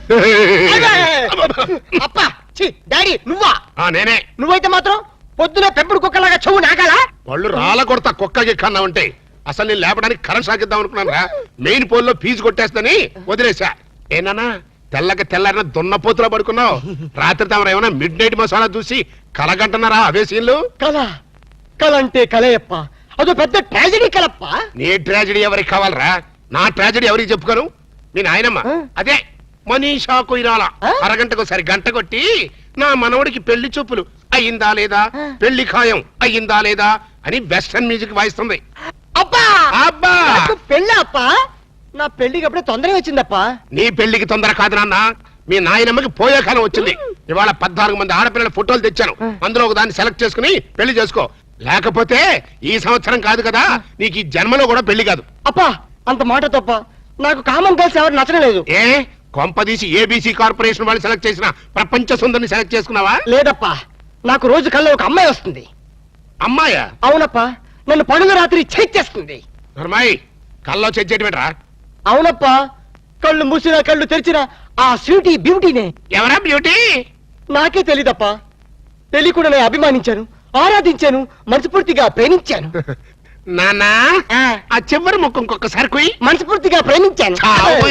అప్ప డాడీ నువ్వా? నేనే. నువ్వైతే మాత్రం పొద్దున పెంపుడు కుక్కలాగా చెవు నాకాలా? వాళ్ళు రాళ్ళ కొడతా కుక్కకి కన్నా ఉంటే అసలు నేను లేపడానికి కరెంట్ సాగిద్దాం అనుకున్నాను రా. మెయిన్ పోల్ లో ఫీజు కొట్టేస్తని వదిలేసా. ఏనానా తెల్లకి తెల్లారిన దున్నపోతులో పడుకున్నావు. రాత్రి తమరు ఏమైనా మిడ్ నైట్ మసాలా చూసి కలగంటున్నారా అవే సీన్లు? కల అంటే కలయప్ప, అదో పెద్ద ట్రాజడీ కలప్ప. నీ ట్రాజడీ ఎవరికి కావాలరా? నా ట్రాజడీ ఎవరికి చెప్పుకోను? మీ నాయనమ్మ అదే మనీషా కొయిరాల అరగంటకు సరి గంట కొట్టి నా మనవడికి పెళ్లి చూపులు అయ్యిందా లేదా, పెళ్లి ఖాయం అయ్యిందా లేదా అని వెస్టర్న్ మ్యూజిక్ వాయిస్తుంది. అబ్బా అబ్బా పెళ్ళి అప్ప, నా పెళ్లికి అప్పుడే తొందరగా వచ్చిందప్ప. నీ పెళ్లికి తొందర కాదు నాన్న, మీ నాయనమ్మకి పోయే కాలం వచ్చింది. ఇవాళ 14 మంది ఆడపిల్లల ఫోటోలు తెచ్చాను. అందులో ఒక దాన్ని సెలెక్ట్ చేసుకుని పెళ్లి చేసుకో. లేకపోతే ఈ సంవత్సరం కాదు కదా, నీకు ఈ జన్మలో కూడా పెళ్లి కాదు. అప్పా అంత మాట తప్ప, నాకు కామన్ గర్ల్స్ ఎవరు నచ్చడం లేదు. ఏ కొంపదీసి ఏబీసీ కార్పొరేషన్ వాళ్ళు సెలెక్ట్ చేసిన ప్రపంచ సుందరిని సెలెక్ట్ చేసుకున్నావా? లేదప్పా, నాకు రోజు కల్లో ఒక అమ్మాయి వస్తుంది. అమ్మాయా? అవునప్పా, నన్ను పనుల రాత్రి చేస్తుంది. నర్మాయి కల్లో చెయ్యటమేట్రా? అవునప్పా, కళ్ళు మూసినా కళ్ళు తెరిచినా ఆ స్వీటీ బ్యూటీనే. ఎవరా బ్యూటీ? నాకే తెలీదప్పా. తెలియకుండా నేను అభిమానించాను, ఆరాధించాను, మనస్ఫూర్తిగా ప్రేమించాను. నానా ఆ చివరి ముఖం ఇంకొకసారి కుయ్. మనస్ఫూర్తిగా ప్రేమించాను.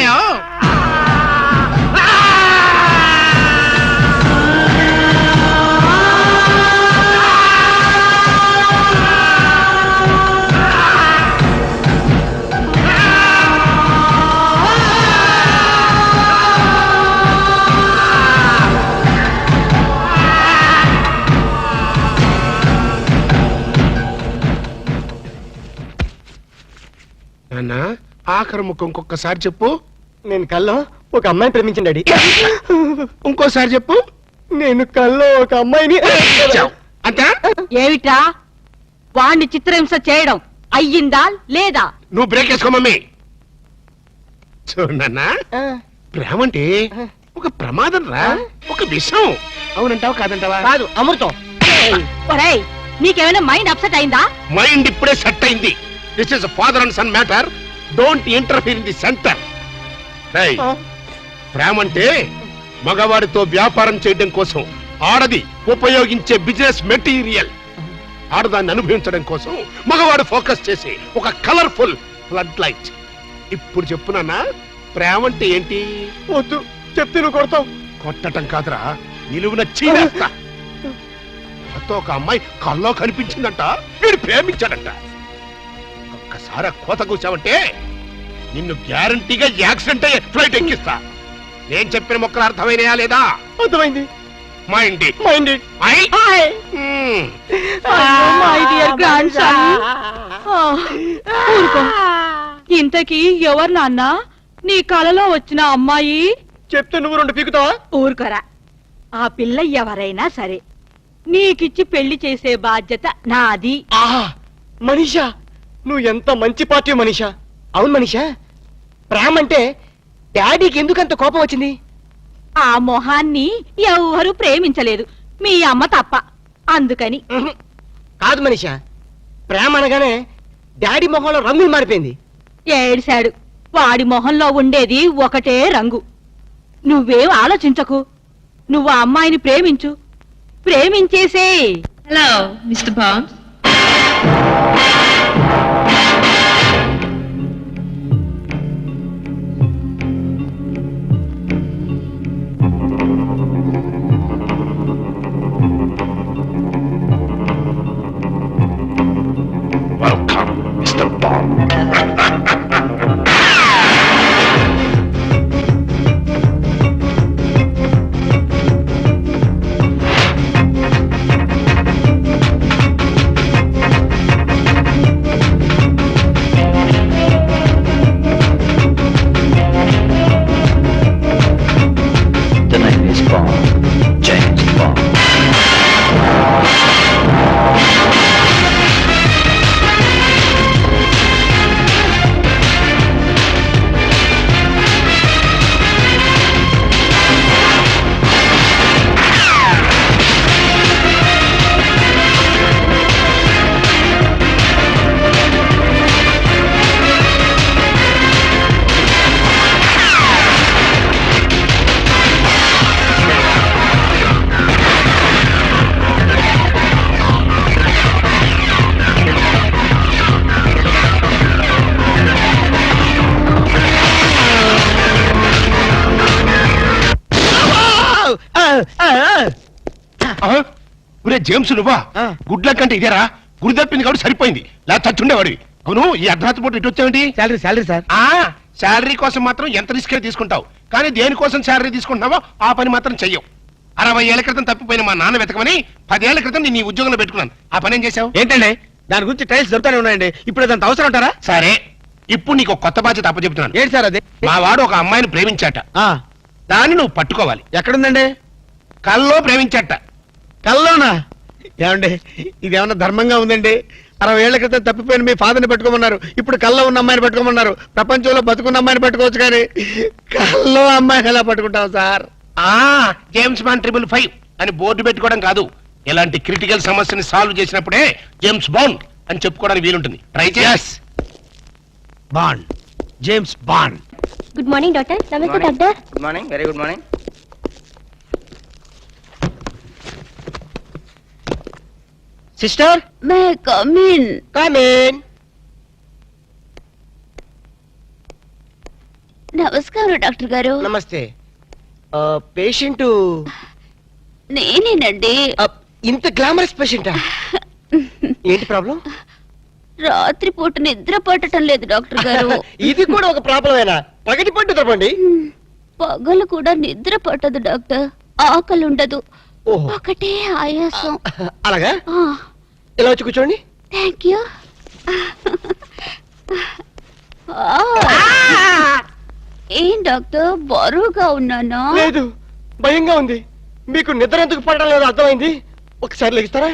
నాన్నా ఆఖరి ముఖం ఇంకొకసారి చెప్పు. నేను కల్లో ఒక అమ్మాయిని ప్రేమించండి. ఇంకోసారి చెప్పు. నేను కల్లో ఒక అమ్మాయిని. అంతే? ఏమిటా వాణ్ణి చిత్రహింస చేయడం అయ్యిందా లేదా? నువ్వు బ్రేక్ వేసుకో మమ్మీ. చూడన్నా, ప్రేమ అంటే ఒక ప్రమాదం రా, ఒక విషం. అవునంటావా కాదంటావా? కాదు, అమృతం. ఒరేయ్, నీకేమైనా మైండ్ అప్సెట్ అయిందా? మైండ్ ఇప్పుడే సెట్ అయింది. This is father and son matter. Don't interfere in the center. ప్రేమ అంటే మగవాడితో వ్యాపారం చేయడం కోసం ఆడది ఉపయోగించే బిజినెస్ మెటీరియల్. ఆడదాన్ని అనుభవించడం కోసం మగవాడు ఫోకస్ చేసి ఒక కలర్ఫుల్ ఫ్లడ్ లైట్. ఇప్పుడు చెప్పునన్నా, ప్రేమ అంటే ఏంటి? వద్దు చెప్తే నువ్వు కొడతావు. కొట్టడం కాదురా, నిలువున చీరేస్తా. ఒక అమ్మాయి కల్లో కనిపించిందంట, వీడు ప్రేమించాడంట. ఒక్కసారి కోత కూర్చావంటే నిన్ను గ్యారంటీగా యాక్సిడెంట్ అయ్యే ఫ్లైట్ ఎక్కిస్తా. నేను చెప్పిన మొక్కలు అర్థమైనయా లేదా? అర్థమైంది. ఇంతకీ ఎవరు నాన్న నీ కలలో వచ్చిన అమ్మాయి? చెప్తే నువ్వు 2 పీకుతావా? ఊరుకోరా. ఆ పిల్ల ఎవరైనా సరే నీకిచ్చి పెళ్లి చేసే బాధ్యత నాది. మనీషా, నువ్వు ఎంత మంచి పార్టీ మనీషా. అవును మనీషా, ప్రేమ అంటే డాడీకి ఎందుకంత కోపం వచ్చింది? ఆ మొహాన్ని ఎవరు ప్రేమించలేదు, మీ అమ్మ తప్ప. అందుకని. కాదు మనీషా, ప్రేమ అనగానే డాడీ మొహంలో రంగు మారిపోయింది. ఏడిశాడు. వాడి మొహంలో ఉండేది ఒకటే రంగు. నువ్వేం ఆలోచించకు. నువ్వు ఆ అమ్మాయిని ప్రేమించు, ప్రేమించేసే. Hello mister Bond. Welcome, Mr. Bond. ఒరే జేమ్స్ నువ్వా ఆ. గుడ్ల కంటే ఇదేరా గురి తప్పింది కాబట్టి సరిపోయింది లేదా చచ్చుండేవాడివి అవును ఈ అర్ధరాత్రి పూట ఇటు వచ్చావేంటి శాలరీ సార్ ఆ శాలరీ కోసం మాత్రం ఎంత రిస్క్ తీసుకుంటావు కానీ దేనికోసం శాలరీ తీసుకుంటున్నావో ఆ పని మాత్రం చెయ్యవు 60 ఏళ్ల క్రితం తప్పిపోయిన మా నాన్న వెతకమని 10 ఏళ్ల క్రితం నేను ఈ ఉద్యోగంలో పెట్టుకున్నాను ఆ పని ఏం చేశావు ఏంటండి దాని గురించి టైల్స్ దొరుకుతానే ఉన్నాయండి ఇప్పుడు అదంత అవసరం అంటారా సరే ఇప్పుడు నీకు ఒక కొత్త బాధ్యత అప్పచెప్తున్నాను ఏంటి సార్ అది మా వాడు ఒక అమ్మాయిని ప్రేమించాట దాన్ని నువ్వు పట్టుకోవాలి ఎక్కడుందండి కల్లో ప్రేమించాట కల్లోనా ఏమండి ఇది ఏమన్నా ధర్మంగా ఉందండి 60 ఏళ్ల క్రితం తప్పిపోయిన మీ ఫాదర్ని పెట్టుకోమన్నారు ఇప్పుడు కల్లో ఉన్న అమ్మాయిని పెట్టుకోమన్నారు ప్రపంచంలో బతుకున్న అమ్మాయిని పెట్టుకోవచ్చు కానీ కల్లో అమ్మాయిని ఎలా పట్టుకుంటాం సార్ ఆ జేమ్స్ బాండ్ 555 అని బోర్డు పెట్టుకోవడం కాదు ఇలాంటి క్రిటికల్ సమస్యని సాల్వ్ చేసినప్పుడే జేమ్స్ బాండ్ అని చెప్పుకోవడానికి వీలుంటుంది ట్రై చేయాస్ Bond James Bond good morning doctor నమస్తే doctor good morning very good morning sister may come in come in నమస్కారం డాక్టర్ గారు నమస్తే పేషెంట్ నేనేనండి ఇంత గ్లామరస్ పేషెంటా ఏంటి ప్రాబ్లం రాత్రిపూట నిద్ర పట్టడం లేదు డాక్టర్ గారు ఇది కూడా ఒక ప్రాబ్లమేనా పగటి పట్టు తప్పండి పగలు కూడా నిద్ర పట్టదు డాక్టర్ ఆకలి ఉండదు ఓహో ఒకటే ఆయాసం అలాగా ఇలా వచ్చి కూర్చోండి థ్యాంక్ యూ ఏం డాక్టర్ బరువుగా ఉన్నానా లేదు భయంగా ఉంది మీకు నిద్ర ఎందుకు పడడం లేదు అర్థమైంది ఒకసారి లెగిస్తారా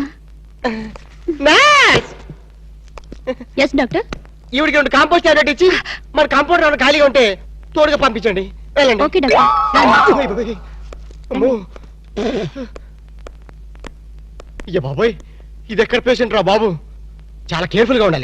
ఎస్ డాక్టర్ ఈవిడికి రెండు కాంపోస్ట్ టాబ్లెట్ ఇచ్చి మన కాంపౌండ్ ఏమైనా ఖాళీగా ఉంటే తోడుగా పంపించండి వెళ్ళండి ఓకే డాక్టర్ అయ్య బాబోయ్. అమ్మో. అయ్య బాబోయ్ ఇది ఎక్కడ పేషెంట్ రా బాబు చాలా కేర్ఫుల్ గా ఉండాలి